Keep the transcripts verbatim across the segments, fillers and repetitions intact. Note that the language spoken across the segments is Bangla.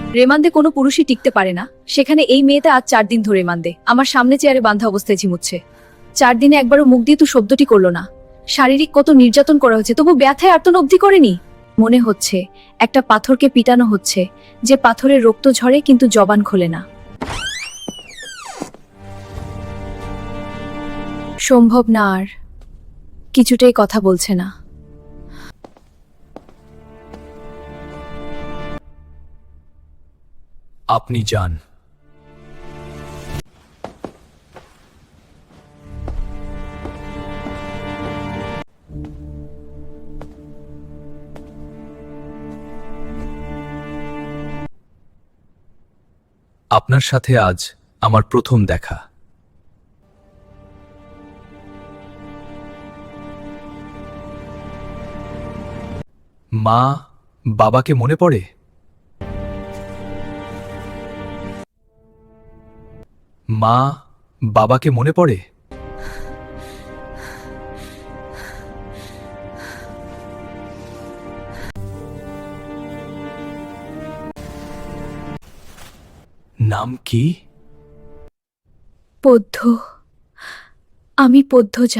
রেমান্দে কোনো পুরুষই টিকতে পারে না, সেখানে এই মেয়েটা আজ চার দিন ধরে রেমান্দে আমার সামনে চেয়ারে বাঁধা অবস্থায় ঝিমুচ্ছে। চার দিনে একবারও মুখ দিয়ে তো শব্দটি করলো না। শারীরিক কত নির্যাতন করা হচ্ছে, তবু ব্যথায় আর্তন অবধি করেনি। মনে হচ্ছে একটা পাথরকে পিটানো হচ্ছে, যে পাথরের রক্ত ঝরে কিন্তু জবান খোলে না। সম্ভব না, আর কিছুটাই কথা বলছে না। আপনি যান। আপনার সাথে আজ আমার প্রথম দেখা। মা বাবাকে মনে পড়ে? মা বাবাকে মনে পড়ে? নাম কি? পদ্ম, আমি পদ্মজা।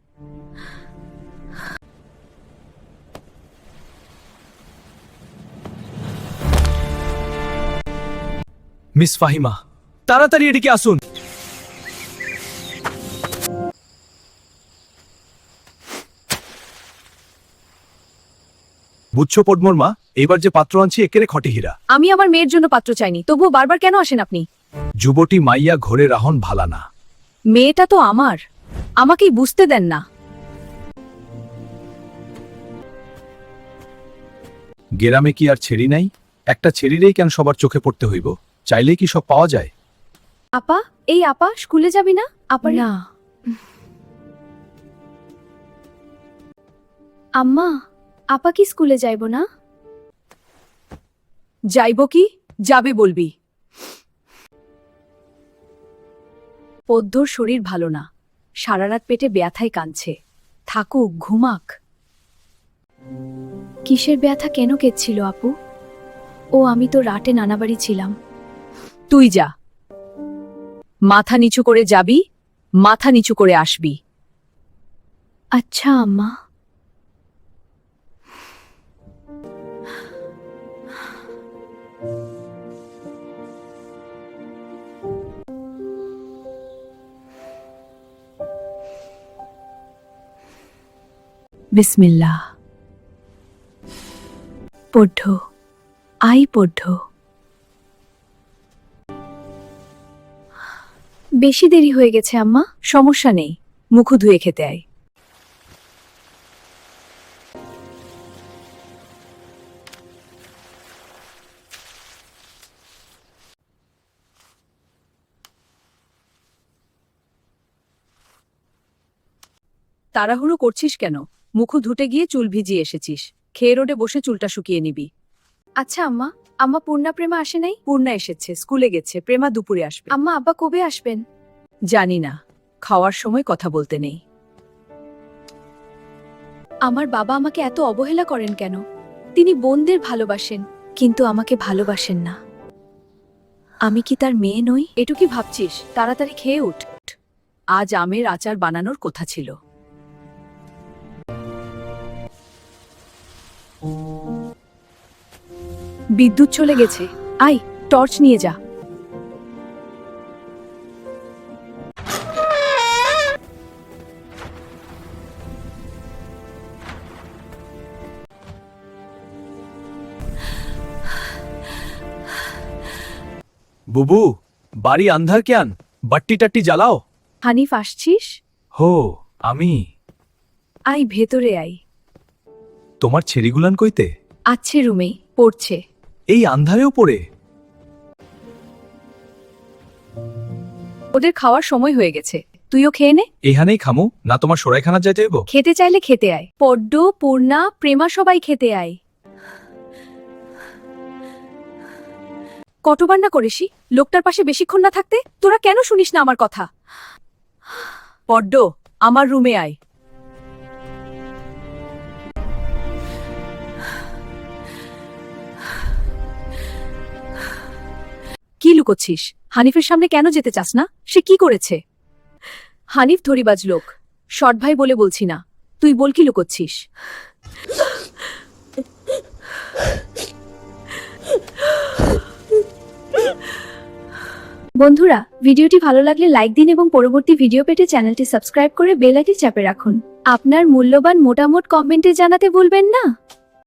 মিস ফাহিমা, তাড়াতাড়ি এদিকে আসুন। বুঝছো পদ্মর মা, এবার যে পাত্র আনছি একেরে খটে হীরা। আমি আমার মেয়ের জন্য পাত্র চাইনি, তবুও বারবার কেন আসেন আপনি? যুবতী মাইয়া ঘরে রাহন ভালা না। মেয়েটা তো আমার, আমাকেই বুঝতে দেন না। গেরামে কি আর ছেড়ি নাই? একটা ছেড়িরেই কেন সবার চোখে পড়তে হইব? চাইলেই কি সব পাওয়া যায়? আপা, এই আপা স্কুলে যাবি না? আপা না। আম্মা, আপা কি স্কুলে যাইব না? যাইব কি, যাবে বলবি। পদ্মর শরীর ভালো না, সারা রাত পেটে ব্যথায় কাঁদছে। থাকুক, ঘুমাক। কিসের ব্যথা, কেন কেঁদছিল আপু? ও, আমি তো রাতে নানাবাড়ি ছিলাম। তুই যা, মাথা নিচু করে যাবি, মাথা নিচু করে আসবি। আচ্ছা আম্মা। বিসমিল্লাহ। পড়ঢ, আই পড়ঢ। বেশি দেরি হয়ে গেছে আম্মা। সমস্যা নেই, মুখ ধুয়ে খেতে আয়। তাড়াহুড়ো করছিস কেন? মুখ ধুতে গিয়ে চুল ভিজিয়ে এসেছিস। খেয়ে রোডে বসে চুলটা শুকিয়ে নিবি। আচ্ছা আম্মা, আম্মা পূর্ণা প্রেমা আসে নাই? পূর্ণা এসেছে, স্কুলে গেছে। প্রেমা দুপুরে আসবে। আম্মা, আব্বা কবে আসবেন? জানি না, খাওয়ার সময় কথা বলতে নেই। আমার বাবা আমাকে এত অবহেলা করেন কেন? তিনি বোনদের ভালোবাসেন, কিন্তু আমাকে ভালোবাসেন না। আমি কি তার মেয়ে নই? এটু কি ভাবছিস? তাড়াতাড়ি খেয়ে উঠ। আজ আমের আচার বানানোর কথা ছিল। বিদ্যুৎ চলে গেছে, আয় টর্চ নিয়ে যা। বুবু, বাড়ি আন্ধার কেন? বাট্টি টাট্টি জ্বালাও। হানিফ, আসছিস? হো, আমি। আয় ভেতরে আয়। তোমার ছেড়িগুলান কইতে? আছে রুমে, পড়ছে। এই আন্ধারেও পড়ে? ওদের খাওয়ার সময় হয়ে গেছে, তুইও খেয়ে নে। এখানেই খামু না তোমার সরাইখানা যাইতে হইব? খেতে চাইলে খেতে আয়। পড্ড, পূর্ণা, প্রেমা সবাই খেতে আয়। কতবার না করেছি লোকটার পাশে বেশিক্ষণ না থাকতে? তোরা কেন শুনিস না আমার কথা? পড্ড, আমার রুমে আয়। কি লুকোচ্ছিস? হানিফের সামনে কেন যেতে চাস না? সে কি করেছে? হানিফ ধরিবাজ লোক, শর্ট ভাই বলে বলছি না। তুই বল কি লুকোচ্ছিস? বন্ধুরা, ভিডিওটি ভালো লাগলে লাইক দিন এবং পরবর্তী ভিডিও পেতে চ্যানেলটি সাবস্ক্রাইব করে বেল আইকনটি চাপে রাখুন। আপনার মূল্যবান মতামত কমেন্টে জানাতে ভুলবেন না।